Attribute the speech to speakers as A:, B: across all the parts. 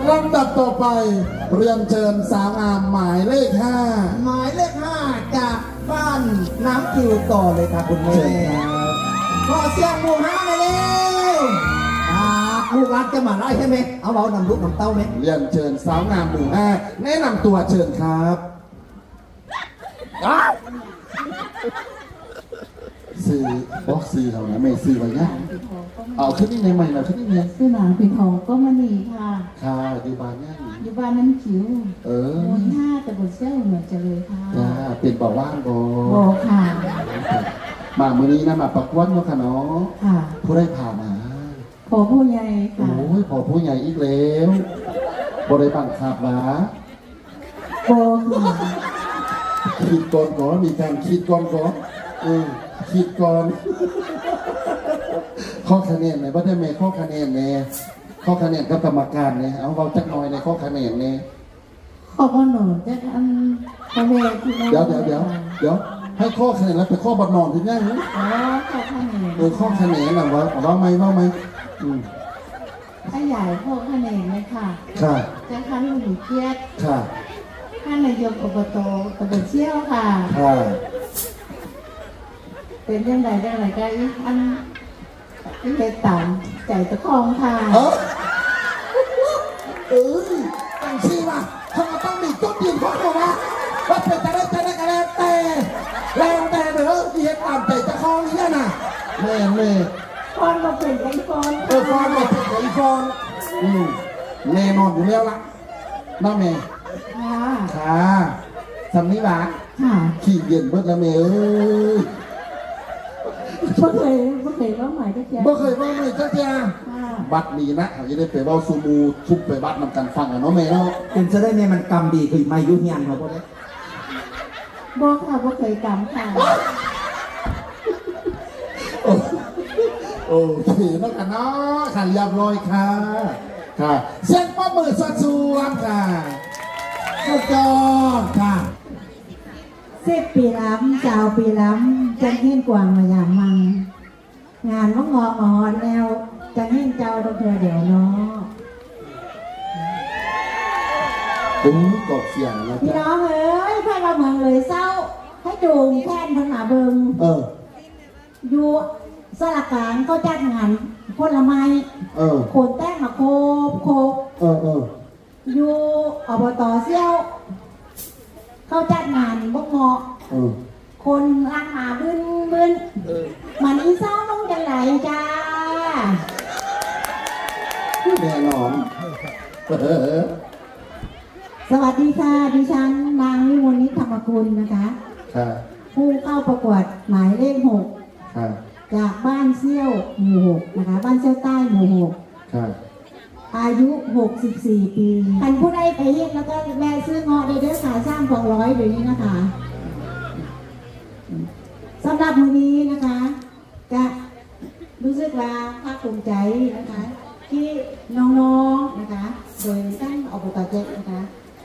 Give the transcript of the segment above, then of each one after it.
A: ลำดับต่อไปเรียนเชิญสาวงามหมายเลข 5
B: หมายเลข 5จากบ้านน้ำคิวต่อเลยครับคุณแม่ขอเสียงหมู่ห้าเลยเร็วลูกรักจะมาไล่ใช่ไหมเอานำลูกนำเต้าไหม
A: เรียนเชิญสาวงามหมู่ 5แนะนำตัวเชิญครับซื้อบอกซื้อเขานะไม่ซื้อไว้นะเอาขึ้นนี่ในใหม่เราขึ้นนี่เนี่ย
C: ซื้อหนังปิดทองก็มาหนีค่ะ
A: ค่ะอยู่บ้านเนี่ย
C: อยู่บ้านนั้นคิวหมู่ห้าแต่บนเซี่ยวเหมือนจะเลยค่ะ
A: จ้าเป็นบ่อว่างบ่
C: ค่ะ
A: มามื้อนี้นะมาประกวดเนาะค่ะเนาะ
C: ค่ะ
A: ผู้ได้ผ่ามา
C: พอผู้ใหญ่ค่ะ
A: โอ้ยพอผู้ใหญ่อีกแล้วบ่ได้บังคับมา
C: ค่ะ
A: คิดก่อนก่อนมีการคิดก่อนก่อนคิดก่อนข้อคะแนนไหนว่าได้ไหมข้อคะแนนเนี่ยข้อคะแนนกับกรรมการเนี่ยเอาเราจักหน่อยในข้อคะแนนเนี่ย
C: ขอบคุณหนูจะทำคะแนนที่
A: เดี๋ยวให้ข้อคะแนนแล้วไปข้อบอลนอนถึงยัง
C: ข้อคะแนน
A: ข้อคะแนนนะว่าไหม
C: ถ้าใหญ่ข้อคะแนนเลยค่ะ
A: ค่ะ
C: จะท่านหนูเกียรติ
A: ค่ะ
C: ท่านนายกอบตตำบลเชี่ยวค่ะเป็นเรื่องใดก็อันเป็นต่างใจตะคองค่ะ
A: ตั้งชื่อว่าเขาต้องมีจุดยืนของเขาว่าเป็นแต่ได้กันแล้วแต่เด้อที่เห็นตามใจตะคองนี่นะแม่
C: ฟอนมาเป็นไอฟอน
A: ฟอนมาเป็นไอฟอนแน่นอนอยู่แล้วล่ะน้าแม่ค่ะสำนี้บ้าขี่เย็นเบิดแล้วแม่
C: บ่เคยว่าใหม่ก็แก่
A: บ่เคยว่าใหม่ก็แก่บัดนี้นะเขาจะได้ไปเว้าซูมูทุบไปบัดนำกันฟังเนาะแม่เนาะ
B: เป็นจะได้แม่มันกรรมดีคือไม่ยุ่งยากเขาบ่ได้
C: บ่เคยกรรมค่ะ
A: โอเคแล้วกันเนาะค่ะเรียบร้อยค่ะเสียงปรบมือสดๆค่ะสุดยอดค่ะ
C: 10 ปีล้ำจ้าปีล้ำจังเห็นกวางมาอย่างมังงานว่างอหอนแล้วจังเห็นเจ้าต้องเธอเดี๋ยวเนาะ
A: กดเสียงแล้ว
C: พี่น้องเอ้ยพาเราเมืองเลยเศร้าให้จูงแค่นพันหาเบิงอยู่สลักกลางก็จัดงานผลไม้โคนแต้งมาโคบอยู่อบตเซี่ยวเขาจัดงานบกเงาะคนล้างหาบึ้นมันอีเศร้าต้องจังไหนจ้า
A: แน่นอน
C: สวัสดีค่ะดิฉันนางวิมลนิธรรมกุลนะคะผู้เข้าประกวดหมายเลข 6จากบ้านเซี่ยวหมู่ 6นะคะบ้านเซี่ยวใต้หมู่ 6อายุ64 ปีท่านผู้ใดไปเฮ็ดแล้วก็แม่ซื้อเงาะได้เด้อค่ะสร้าง200เดี๋ยวนี้นะคะสำหรับมื้อนี้นะคะจะรู้สึกว่าภาคภูมิใจนะคะที่น้องๆนะคะโดยท่านอบตเจ็ดนะคะ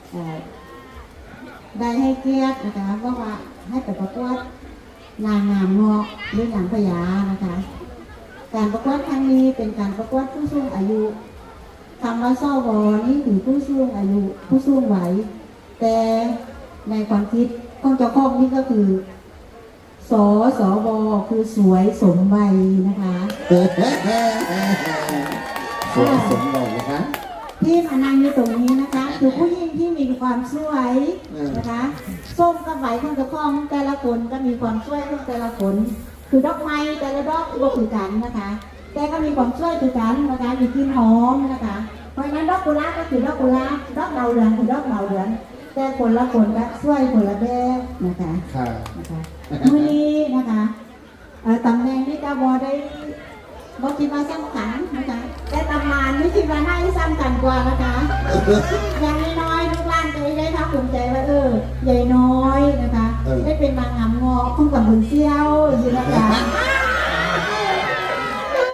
C: ได้ให้เกียรตินะคะว่าให้ไปประกวดนางงามเงาะหรือนางพญานะคะการประกวดครั้งนี้เป็นการประกวดผู้สูงอายุคำว่าซ่อวอนี่ถือผู้สูงอายุผู้สูงวัยแต่ในความคิดของเจ้าของนี่ก็คือสวคือสวยสมวัยนะคะ
A: สวยสมวัยนะคะ
C: ที่มานั่งอยู่ตรงนี้นะคะคือผู้หญิงที่มีความสวยนะคะส้มกับไหวของเจ้าของแต่ละคนก็มีความสวยของแต่ละคนคือดอกไม้แต่ละดอกก็คือกันนะคะแต่ก็มีความสวยคือกันนะคะมีกลิ่นหอมนะคะเพราะฉะนั้นดอกกุหลาบก็คือดอกกุหลาบดอกดาวเรืองคือดอกดาวเรืองแต่คนละคนก็สวยคนละแบบนะคะมื้อนี้นะคะตำแหน่งที่กบได้บอกคิดว่าสำคัญนะคะแต่ตำนานนี่คิดว่าน่าจะสำคัญกว่านะคะอย่างน้อยลูกหลานจะได้ภาคภูมิใจว่าใหญ่น้อยนะคะได้เป็นนางงามเงาะคุ้มกับบุญเซี่ยวอยู่นะคะ